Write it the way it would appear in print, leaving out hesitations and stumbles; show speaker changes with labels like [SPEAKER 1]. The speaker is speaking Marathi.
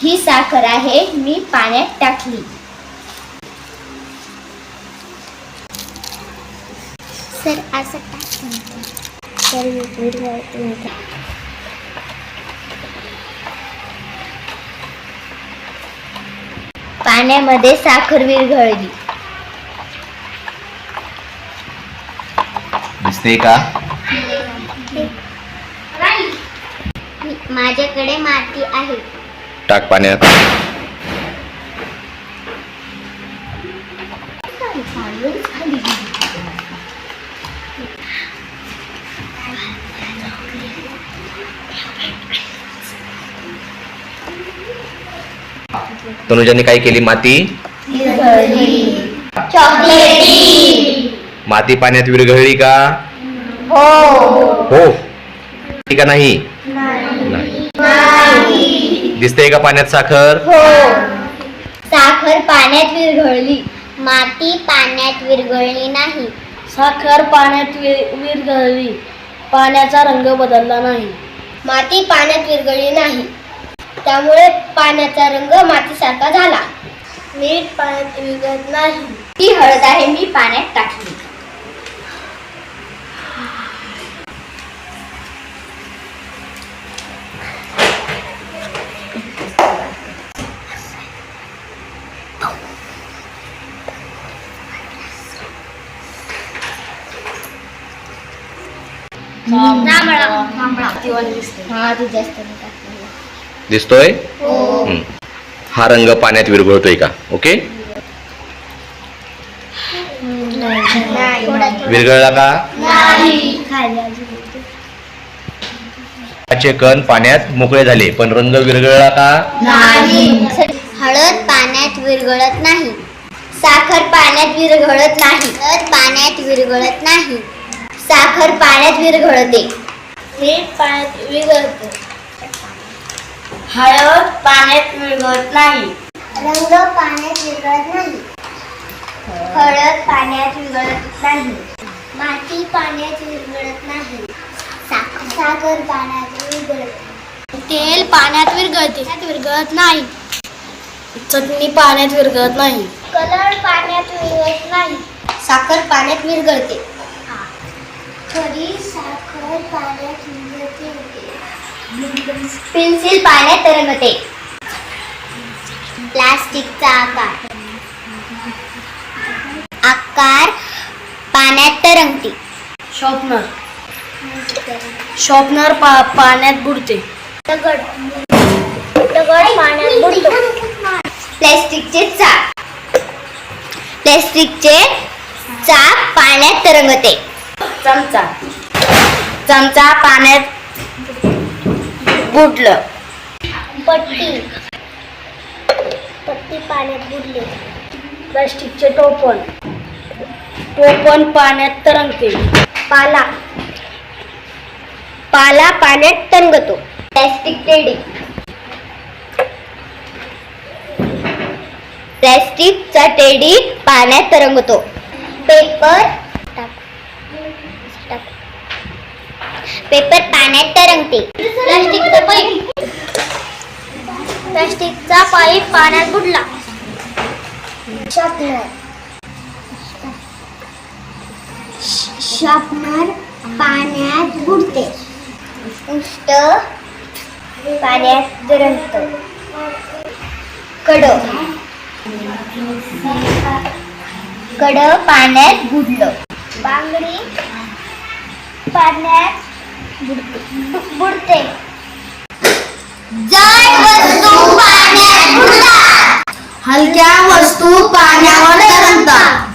[SPEAKER 1] ही साखर आहे, मी पाण्यात टाकली. सर असं पाण्यामध्ये साखर विरघळली.
[SPEAKER 2] दिसते का?
[SPEAKER 1] माझ्याकडे माती आहे.
[SPEAKER 2] टाक पाण्यात. तनुजाने काय केली? माती
[SPEAKER 1] चॉकलेटी.
[SPEAKER 2] माती पाण्यात विरघळली का?
[SPEAKER 1] हो.
[SPEAKER 2] हो का? नाही. दिसते का पाण्यात साखर?
[SPEAKER 1] हो. साखर पाण्यात विरघळली. माती पाण्यात विरघळली नाही.
[SPEAKER 3] साखर पाण्यात विरघळली. पाण्याचा रंग बदलला नाही.
[SPEAKER 1] माती पाण्यात विरघळली नाही, त्यामुळे पाण्याचा रंग मातीसारखा झाला.
[SPEAKER 3] मीठ पाण्यात विरघळत नाही.
[SPEAKER 1] ही हळद आहे, मी पाण्यात टाकली. हा तू जास्त
[SPEAKER 2] दिसतोय?
[SPEAKER 1] हो.
[SPEAKER 2] हा रंग पाण्यात विरघळतोय का? ओके. विरघळला का? चे कण पाण्यात मोकळे झाले, पण रंग विरघळला का?
[SPEAKER 1] हळद पाण्यात विरघळत नाही. साखर पाण्यात विरघळत नाही. हळद पाण्यात विरघळत नाही. साखर पाण्यात विरघळते.
[SPEAKER 3] मीठ पाण्यात विरघळते. हळद पाण्यात विरघळत नाही.
[SPEAKER 1] रंग पाण्यात विरघळत नाही. हळद पाण्यात विरघळत नाही. माती पाण्यात विरघळत नाही. साखर पाण्यात विरघळते.
[SPEAKER 3] तेल पाण्यात विरघळते. विरघळत नाही. चटणी पाण्यात विरघळत नाही.
[SPEAKER 1] कलर पाण्यात विरघळत नाही. साखर पाण्यात विरघळते. खरी साखर पाण्यात विरघळते. पेन्सिल पाण्यात तरंगते. प्लास्टिकचा आकार पाण्यात तरंगते.
[SPEAKER 3] शॉर्पनर पाण्यात बुडते.
[SPEAKER 1] दगड पाण्यात बुडतो. प्लास्टिकचे चाक पाण्यात तरंगते.
[SPEAKER 3] चमचा पाण्यात बुडलं.
[SPEAKER 1] पट्टी पाण्यात बुडली.
[SPEAKER 3] प्लास्टिकचे टोपण पाण्यात तरंगते.
[SPEAKER 1] पाला पाण्यात तरंगतो. प्लॅस्टिकचा टेडी पाण्यात तरंगतो. पेपर पाण्यात तरंगते. प्लास्टिकचा पाईप पाण्यात बुडला. शॉर्पनर पाण्यात बुडते. उष्ट पाण्यात तरंगतं. कड पाण्यात बुडलं. बांगडी पाण्यात बुडते. जड वस्तू पाण्यात बुडतात.
[SPEAKER 3] हलक्या वस्तू पाण्यावर तरंगतात.